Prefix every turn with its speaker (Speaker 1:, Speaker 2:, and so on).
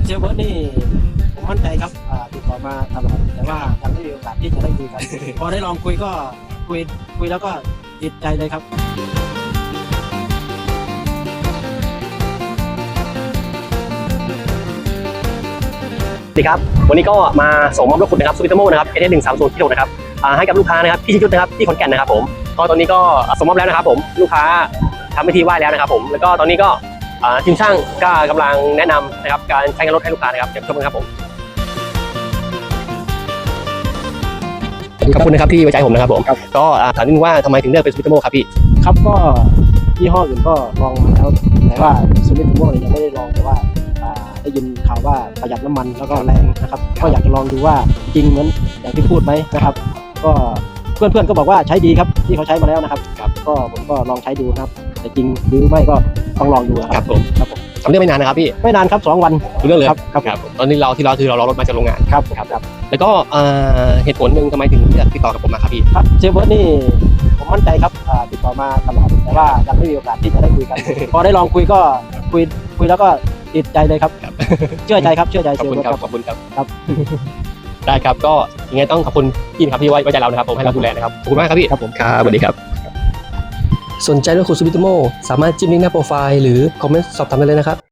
Speaker 1: เซลเบิร์ดนี่ผมมั่นใจครับติดต่อมาตลอดแต่ว่ายังไม่มีโอกาสที่จะได้คุยกัน พอได้ลองคุยก็คุยแล้วก็ติดใจเลยครับ
Speaker 2: สวัสดีครับวันนี้ก็มาส่งมอบรถคุณนะครับซูบิโตโมนะครับ SS130 ที่6นะครับให้กับลูกค้านะครับที่ชิจุดนะครับที่ขอนแก่นนะครับผมก็ตอนนี้ก็ส่งมอบแล้วนะครับผมลูกค้าทำพิธีไหว้แล้วนะครับผมแล้วก็ตอนนี้ก็ทีมช่างก็กำลังแนะนำนะครับการใช้งานรถให้ลูกค้านะครับเดี๋ยวชมกันครับผมขอบคุณนะครับที่ไว้ใจผมนะครับผมก็ถามนิดนึงว่าทำไมถึงเลือกเป็นซูบิโตโมครับพี่
Speaker 1: ครับก็ยี่ห้ออื่นก็ลองมาแล้วแต่ว่าซูบิโตโมยังไม่ได้ลองแต่ว่าได้ยินข่าวว่าประหยัดน้ำมันแล้วก็แรงนะครับก็อยากจะลองดูว่าจริงเหมือนอย่างที่พูดไหมนะครับก็เพื่อนๆก็บอกว่าใช้ดีครับที่เขาใช้มาแล้วนะครับก็ผมก็ลองใช้ดูครับแต่จริงหรือไม่ก็ต้องลองดู
Speaker 2: ครับผมทำเรื่องไม่นานนะครับพี่
Speaker 1: ไม่นานครับ2 วัน
Speaker 2: เรื่องเลย
Speaker 1: ครับ
Speaker 2: ตอนนี้เราคือเรารอรถมาจากโรงงาน
Speaker 1: ครับ
Speaker 2: แล้วก็เหตุผลหนึ่งทำไมถึงเลือกติดต่อกับผมมาครับพี่
Speaker 1: ครับเซลเบิร์ดนี่ผมมั่นใจครับติดต่อมาตลอดแต่ว่ายังไม่มีโอกาสที่จะได้คุยกัน พอได้ลองคุยก็คุยแล้วก็ติดใจเลยครับเชื่อใจเซลเบิร์ด
Speaker 2: ขอบคุณครับได้ครับก็ยังไงต้องขอบคุณพี่ครับที่ไว้ใจเรานะครับผมให้เราดูแลนะครับขอบคุณมากครับพี่
Speaker 1: ครับผม
Speaker 2: ครับสวัสดีครับสนใจรถคุณซูบิโตโมสามารถจิ้มลิงก์หน้าโปรไฟล์หรือคอมเมนต์สอบถามได้เลยนะครับ